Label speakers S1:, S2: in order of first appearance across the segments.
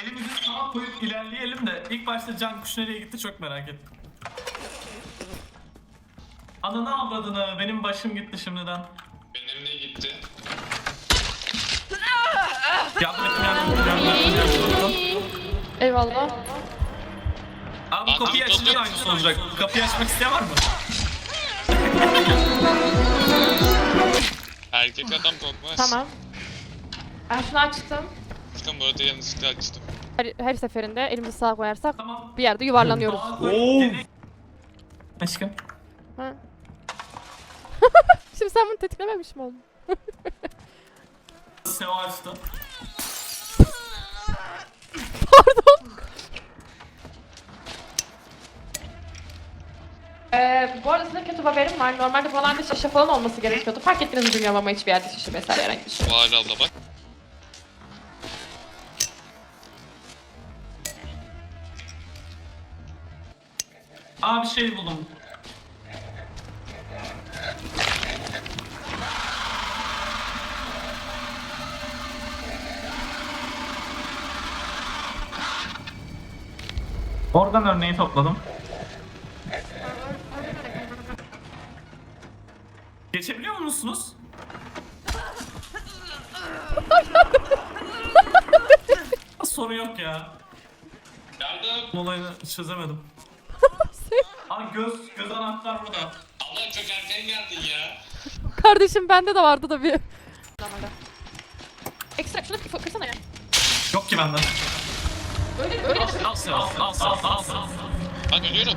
S1: elimizi sağa koyup ilerleyelim de ilk başta can kuş nereye gitti çok merak ettim. Ananı avradını, benim başım gitti şimdiden.
S2: Benim de gitti.
S1: Yardım ettim.
S3: Eyvallah.
S1: Abi bu kapıyı açınca da aynısı olacak. Kapıyı açmak isteyen var mı?
S2: Erkek adam korkmaz.
S3: Tamam. Ben şunu açtım.
S2: Furkan bu arada yanlışlıkla açtım.
S3: Her seferinde elimizi sağa koyarsak
S1: Tamam.
S3: bir yerde yuvarlanıyoruz.
S1: Aşkım.
S3: Ha. Şimdi sen bunu tetiklememiş mi oldun?
S1: Seo açtı.
S3: Pardon. Bu arada size kötü bir haberim var. Normalde buralarda şişe falan olması gerekiyordu. Fark ettiniz mi bilmiyorum ama hiçbir yerde şişe vesaire herhangi bir şey.
S2: Bahar abla bak.
S1: Aa bir şey buldum. Organ örneği topladım. Geçebiliyor musunuz? Sorun yok ya.
S2: Yardım.
S1: Olayını çözemedim. Aa göz anahtar burada.
S2: Abla çok erken geldin ya.
S3: Kardeşim bende de vardı da bir. Ekstra şunu kırsana ya.
S1: Yok ki bende.
S3: Öyle
S1: Al Seo, al.
S2: Bak ölüyorum.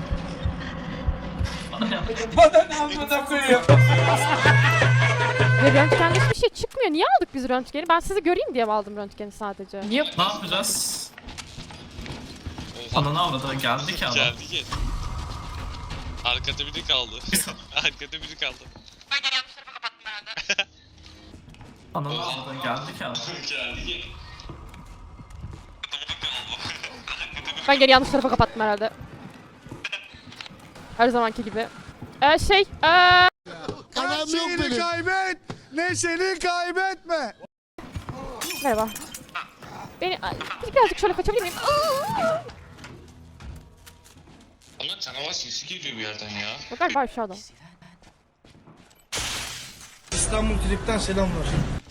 S3: Ve röntgende hiçbir şey çıkmıyor. Niye aldık biz röntgeni? Ben sizi göreyim diye mi aldım röntgeni sadece? Niye?
S1: Ne yapacağız?
S2: Oha.
S1: Ananı avradı geldi ki adam.
S2: Geldi ki. Arkada biri kaldı. Arkada biri kaldı.
S1: Ananı avradı geldi ki adam.
S2: Geldi ki.
S3: Ben geri yanlış tarafa kapattım herhalde. Her zamanki gibi.
S4: Her şeyini kaybet, neşeni kaybetme.
S3: Merhaba. Birazcık şöyle kaçabilir miyim?
S2: Ama canavar sesi geliyor bir yerden ya.
S3: Yok galiba aşağıda.
S4: İstanbul Trip'ten selamlar.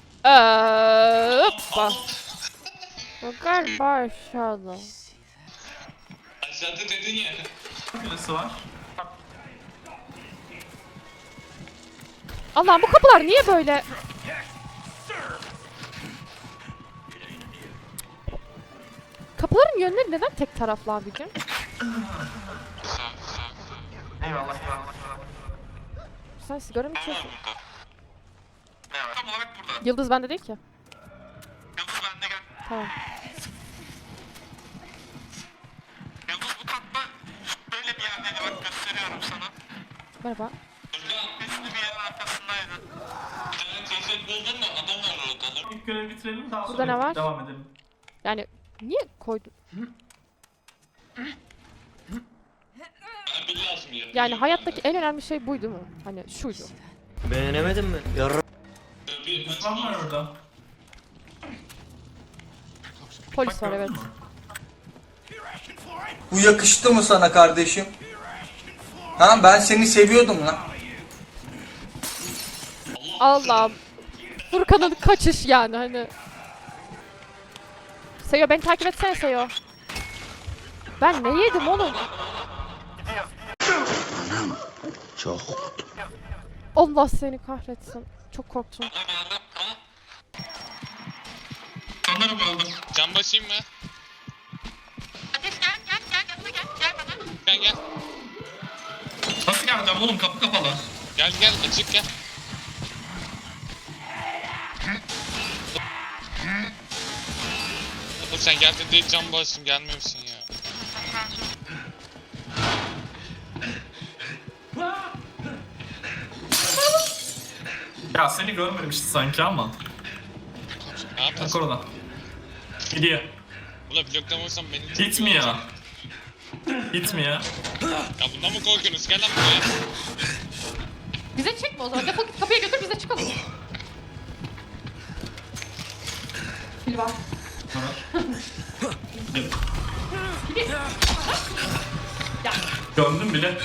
S3: Hoppa. Yok galiba aşağıda.
S2: Aşağıda dedin ya.
S1: Birisi var.
S3: Allah'ım bu kapılar niye böyle? Kapıların yönleri neden tek taraflı abicim?
S1: Eyvallah.
S3: Sen sigara mı içiyorsun?
S1: Tam olarak burada.
S3: Yıldız bende değil ki.
S1: Yıldız bende gel.
S3: Tamam.
S1: Yıldız bu katta böyle bir yerdeydi bak gösteriyorum sana.
S3: Merhaba.
S1: Üstü bir yerin arkasındaydı.
S2: Ceset buldun mu? Adam var orada.
S1: İlk görevi bitirelim daha
S3: Burada
S1: sonra
S3: ne var?
S1: devam edelim.
S3: Yani niye koydun?
S2: Bir lazım ya.
S3: Yani hayattaki en önemli şey buydu mu? Hani şuydu.
S5: Beğenemedin mi? Yarra.
S2: Bir
S1: Düşman var orada.
S3: Polis var
S1: gördün
S3: evet.
S1: mü?
S6: Bu yakıştı mı sana kardeşim? Ha ben seni seviyordum lan.
S3: Allah'ım. Furkan'ın kaçış yani hani. Seyo beni takip etsene Seyo. Ben ne yedim oğlum?
S5: Çok.
S3: Allah seni kahretsin. Çok korktum.
S1: Sanırım öldüm.
S2: Can basayım mı? Gel gel.
S1: Nasıl geleceğim oğlum kapı kapalı.
S2: Gel gel açık gel. Oğlum sen geldin değil can basayım gelmiyor musun ya?
S1: Ya seni görmemişti sanki ama.
S2: Ne
S1: Bak
S2: yapıyorsun?
S1: orada. Gidiyor.
S2: Ula bloklamazsan beni...
S1: Gitmiyor. Gitmiyor.
S2: Ya bundan mı korkuyorsunuz? Gel lan buraya.
S3: Bize çekme o zaman. Defol git kapıya götür bize çıkalım. Pil var.
S7: Gömdüm bile.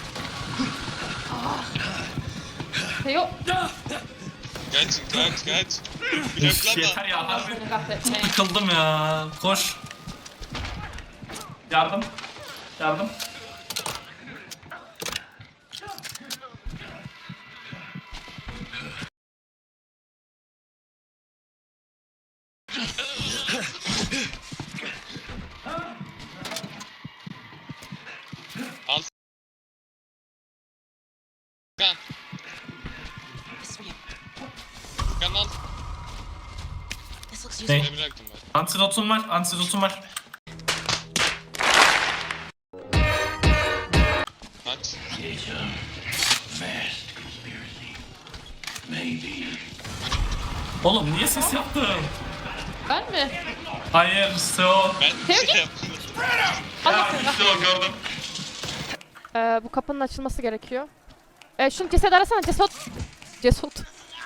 S3: Teo.
S2: Kaç.
S7: Üf,
S2: Bloklama.
S7: yeter ya. Harbi
S3: Seni kahretmeye.
S7: yıkıldım ya. Koş. Yardım. Yardım.
S2: Al. Furkan. Furkan al.
S7: Ne?
S2: Ne bıraktım ben?
S7: Antidotum var. Antidotum var.
S2: Kaç.
S7: Oğlum niye ses yaptın?
S3: Ben mi?
S7: Hayır, Seo.
S2: Ben bir şey yapmadım.
S7: Ya işte o gördüm.
S3: Bu kapının açılması gerekiyor. Şunu ceset arasana, ceset. Ceset.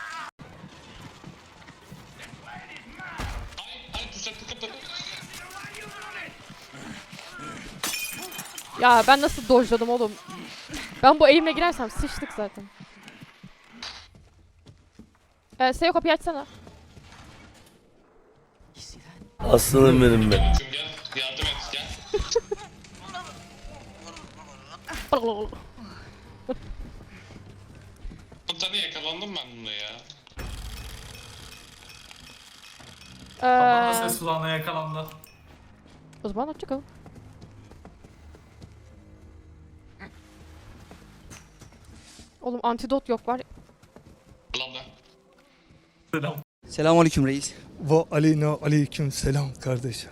S2: Hayır tuzaklı kapı.
S3: Ya ben nasıl dojladım oğlum? Ben bu eğimle girersem sıçtık zaten. Seyo kapıyı açsana.
S5: Aslanım benim be.
S2: Şimdi gel yardım et gel. Komutanı yakalandım ben bunda ya.
S7: Babamla ses kulağına yakalandı.
S3: O zaman hoşçakalın. Oğlum antidot yok var.
S2: Abla.
S7: Selam.
S8: Selamünaleyküm reis.
S4: Ve aleyna aleyküm selam kardeşim.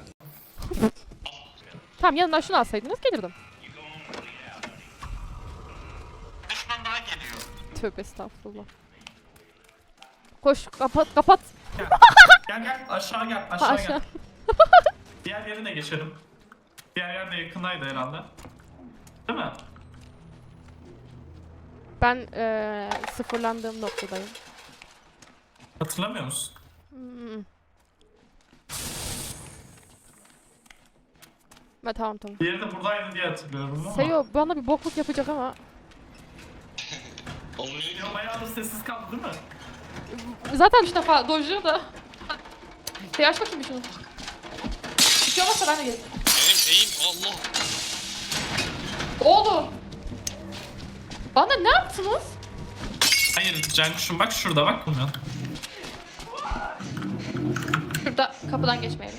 S3: Tamam yanından şunu alsaydınız gelirdim.
S1: Düşman daha geliyor.
S3: Tövbe estağfurullah. Koş kapat.
S7: Gel aşağı gel
S3: Ha,
S7: aşağı
S3: aşağı.
S7: gel. Diğer yerine geçelim. Diğer yer de yakındaydı herhalde. Değil mi?
S3: Ben sıfırlandığım noktadayım.
S7: Hatırlamıyor musun?
S3: Tamam.
S7: Diğeri de buradaydı diye hatırlıyorum ama.
S3: Seyo bana bir bokluk yapacak ama.
S2: Olmuyor.
S7: Ya bayağı da sessiz kaldı değil mi?
S3: Zaten 3 defa dojluyor da. Seyo aç bakayım bir şunu. Bir şey olmazsa ben de gelirim.
S2: Benim eğim Allah.
S3: Oğlum. Bana ne yaptınız?
S7: Hayır Cankuş'um bak şurada bak bunu.
S3: Şurada kapıdan geçmeyelim.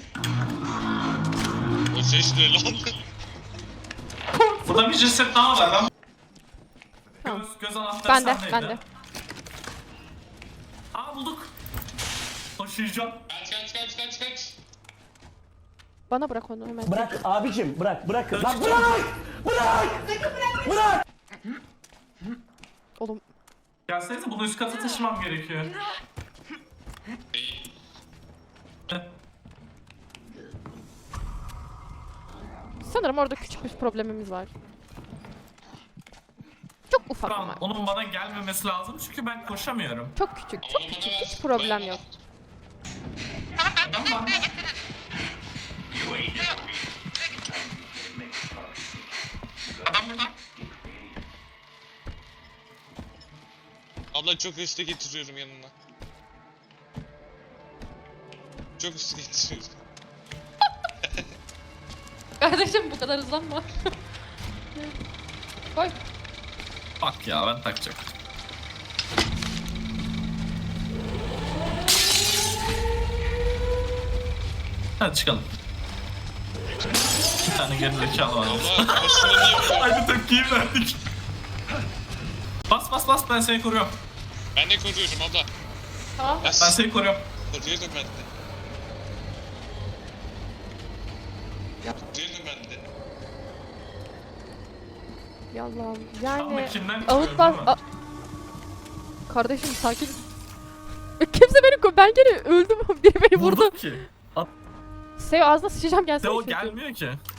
S2: O ses ne lan?
S7: Burada bir ceset daha var. Ben...
S3: Tamam.
S7: Göz anahtarı sendeydi.
S3: Ben de.
S7: Aa bulduk. Taşıyacağım.
S2: Kaç.
S3: Bana bırak onu hemen.
S8: Bırak abicim bırak. Lan bırak.
S3: Oğlum
S7: Gelsenize bunu üst kata taşımam gerekiyor.
S3: sanırım orada küçük bir problemimiz var. Çok ufak
S7: Tamam,
S3: ama.
S7: onun bana gelmemesi lazım çünkü ben koşamıyorum.
S3: Çok küçük. Hiç problem yok.
S7: Tamam.
S1: Adam burada.
S2: Abla çok hızlı getiriyorum yanına. Çok hızlı getiriyorum.
S3: Kardeşim bu kadar hızlanma. Koy.
S7: Bak ya ben takacağım. Hadi çıkalım. Bir tane geri zekalı varmış.
S2: Abla başına niye vuruyor?
S7: Aynı tepkiyi verdik. Bas ben seni koruyorum.
S2: Ben de koruyorum abla.
S3: Tamam.
S2: Ya
S7: Ben seni koruyorum.
S2: koruyorum ben de. Koruyorum ben de.
S3: Yallah.
S7: Tam da
S3: Yani
S7: kimden
S3: ağıtlar...
S7: çıkıyorum ama.
S3: Kardeşim sakin. Kimse beni ben gene öldüm. Biri beni vurdu.
S7: Vurduk ki.
S3: Seyo ağzına sıçacağım gelsene.
S7: De o
S3: çünkü.
S7: gelmiyor ki.